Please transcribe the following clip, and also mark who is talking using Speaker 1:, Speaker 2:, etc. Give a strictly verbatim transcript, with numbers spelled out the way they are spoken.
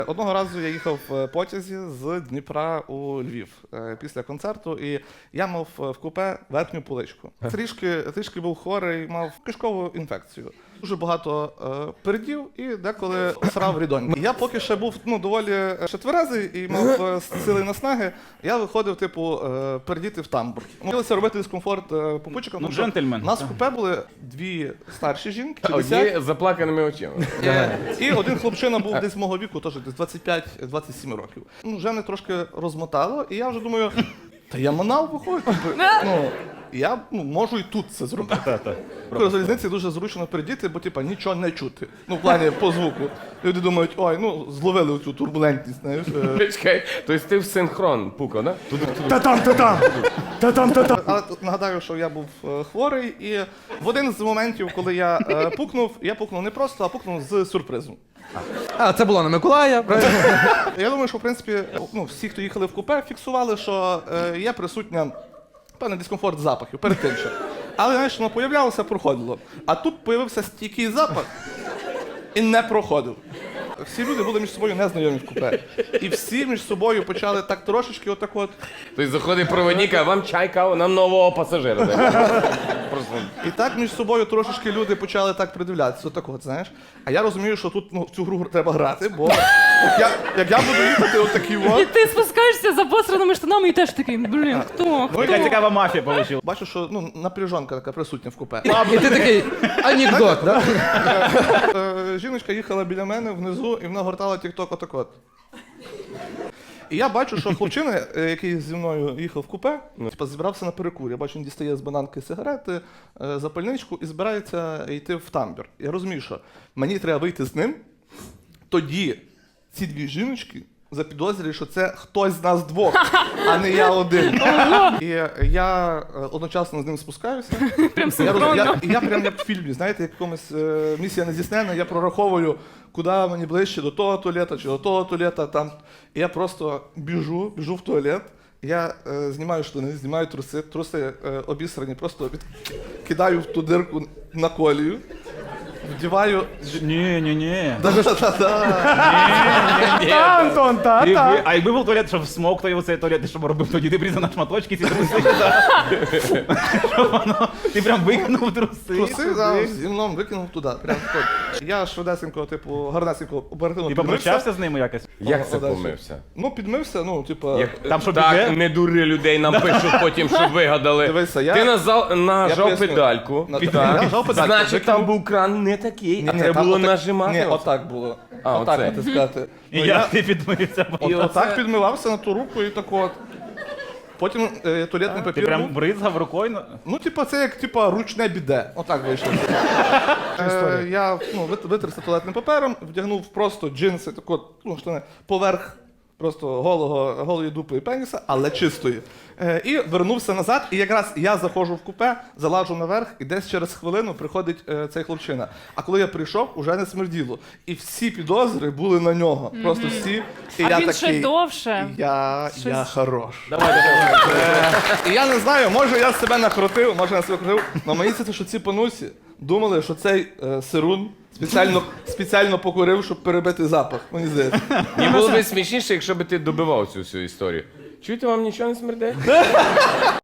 Speaker 1: Одного разу я їхав в потязі з Дніпра у Львів е, після концерту, і я мав в купе верхню поличку. Трішки, трішки був хворий, мав кишкову інфекцію. Дуже багато е, передів і деколи срав рідоньки. Я поки ще був ну, доволі ще тверезий і мав е, сили наснаги, я виходив, типу, е, передіти в тамбур. Хотілося робити дискомфорт е, попутчикам.
Speaker 2: Ну, джентльмен.
Speaker 1: У нас в купе були дві старші жінки,
Speaker 3: Одні з заплаканими очима.
Speaker 1: Е, І один хлопчина був десь мого віку, теж десь двадцять п'ять двадцять сім років. Ну, вже мене трошки розмотало, і я вже думаю, та я манав виходить. Ну, я ну, можу і тут це зробити. В залізниці дуже зручно передіти, бо типа нічого не чути. Ну, в плані по звуку. Люди думають, ой, ну зловили цю турбулентність, знаєш.
Speaker 3: Чекай, тобто ти в синхрон пукав, да?
Speaker 4: Та-там, та-там! Та-там, та-там!
Speaker 1: Але тут нагадаю, що я був е, хворий, і в один з моментів, коли я е, пукнув, я пукнув не просто, а пукнув з сюрпризом.
Speaker 4: А, це було на Миколая, правильно?
Speaker 1: Я думаю, що в принципі ну, всі, хто їхали в купе, фіксували, що е, є присутня певний дискомфорт запахів перед тим ще. Але знаєш, воно появлялося, проходило. А тут появився стійкий запах і не проходив. Всі люди були між собою незнайомі в купе. І всі між собою почали так трошечки отак от.
Speaker 3: Тобто заходить проводник, а вам чай, каву, нам нового пасажира. Просто.
Speaker 1: І так між собою трошечки люди почали так придивлятися, отак от, знаєш. А я розумію, що тут ну, в цю гру треба грати, бо як я, як я буду їхати отакий
Speaker 5: І
Speaker 1: от.
Speaker 5: ти спускаєшся за посраними штанами і теж такий, блін, хто?
Speaker 1: Ну,
Speaker 2: Яка
Speaker 1: і,
Speaker 2: цікава мафія вийшла.
Speaker 1: бачу, що ну, напряжонка така присутня в купе.
Speaker 4: І ти такий анекдот, да?
Speaker 1: Е, Жіночка їхала біля мене внизу, і вона гортала тік-ток отак от. І я бачу, що хлопчина, е, який зі мною їхав в купе, типа, зібрався на перекур. Я бачу, він дістає з бананки сигарети, е, запальничку і збирається йти в тамбір. Я розумію, що мені треба вийти з ним, тоді ці дві жіночки запідозрюють, що це хтось з нас двох, а не я один. І я е, одночасно з ним спускаюся.
Speaker 5: Прям
Speaker 1: Я, роз... я,
Speaker 5: синхронно.
Speaker 1: я прям як в фільмі, знаєте, як в якомусь е, місія нездійсненна, я прораховую, куди мені ближче, до того туалета чи до того туалета. Там. І я просто біжу, біжу в туалет, я е, знімаю штани, знімаю труси, труси е, обісрані, просто від... кидаю в ту дирку на колію, вдіваю...
Speaker 2: Ні, ні, ні.
Speaker 1: Да-да-да-да.
Speaker 4: Та, Антон, та,
Speaker 2: Ти-
Speaker 4: та.
Speaker 2: ви- А якби був туалет, щоб смоктав оцей туалет, ти що б робив тоді? Ти б на шматочки ці труси. да? Щоб воно- Ти прям викинув труси.
Speaker 1: Труси да, зі мною викинув туди, прям тут. Я швидесенько, типу, гарнесенько, оперативно
Speaker 2: Ти
Speaker 1: підмився.
Speaker 2: попрощався з ними якось?
Speaker 3: Як це
Speaker 1: Подальше.
Speaker 3: помився?
Speaker 1: Ну, підмився, ну, типу...
Speaker 3: Як...
Speaker 2: Там що,
Speaker 3: так,
Speaker 2: біде?
Speaker 3: не дури людей, нам пишуть потім, що вигадали.
Speaker 1: Дивися, я-
Speaker 3: Ти назал... нажав
Speaker 1: поясню.
Speaker 3: педальку.
Speaker 1: На-
Speaker 3: Так.
Speaker 1: я нажав педальку,
Speaker 3: Значить,
Speaker 1: викинув.
Speaker 3: там був кран не такий, а
Speaker 1: Ні,
Speaker 3: треба
Speaker 1: там
Speaker 3: було
Speaker 1: отак-
Speaker 3: нажимати.
Speaker 1: Ні,
Speaker 3: оце.
Speaker 1: отак було.
Speaker 3: А,
Speaker 1: отак
Speaker 3: оце.
Speaker 1: натискати.
Speaker 2: І
Speaker 1: Ну,
Speaker 2: як ти підмився?
Speaker 1: І отак підмивався на ту руку і так от. Потім е, туалетний
Speaker 2: Ти
Speaker 1: папір
Speaker 2: прям
Speaker 1: був.
Speaker 2: бризгав рукою? на-
Speaker 1: Ну, типа, це як типа ручне біде. Отак вийшло. е, я ну, вит- витерся туалетним папером, вдягнув просто джинси, так от, ну, штани, поверх просто голого, голої дупи і пеніса, але чистої. Е, і вернувся назад, і якраз я заходжу в купе, залажу наверх, і десь через хвилину приходить е, цей хлопчина. А коли я прийшов, уже не смерділо. І всі підозри були на нього. Просто всі. І
Speaker 5: А
Speaker 1: я
Speaker 5: він
Speaker 1: такий,
Speaker 5: ще довше.
Speaker 1: Я, я
Speaker 5: Щось-
Speaker 1: хорош.
Speaker 2: Давай, давай.
Speaker 1: І я не знаю, може я себе накрутив, може я себе накрутив, але мені здається, що ці панусі думали, що цей е, сирун спеціально, спеціально покурив, щоб перебити запах. Мені здається.
Speaker 3: Мені було б смішніше, якщо б ти добивав цю всю історію. Чуєте, вам нічого не смердить?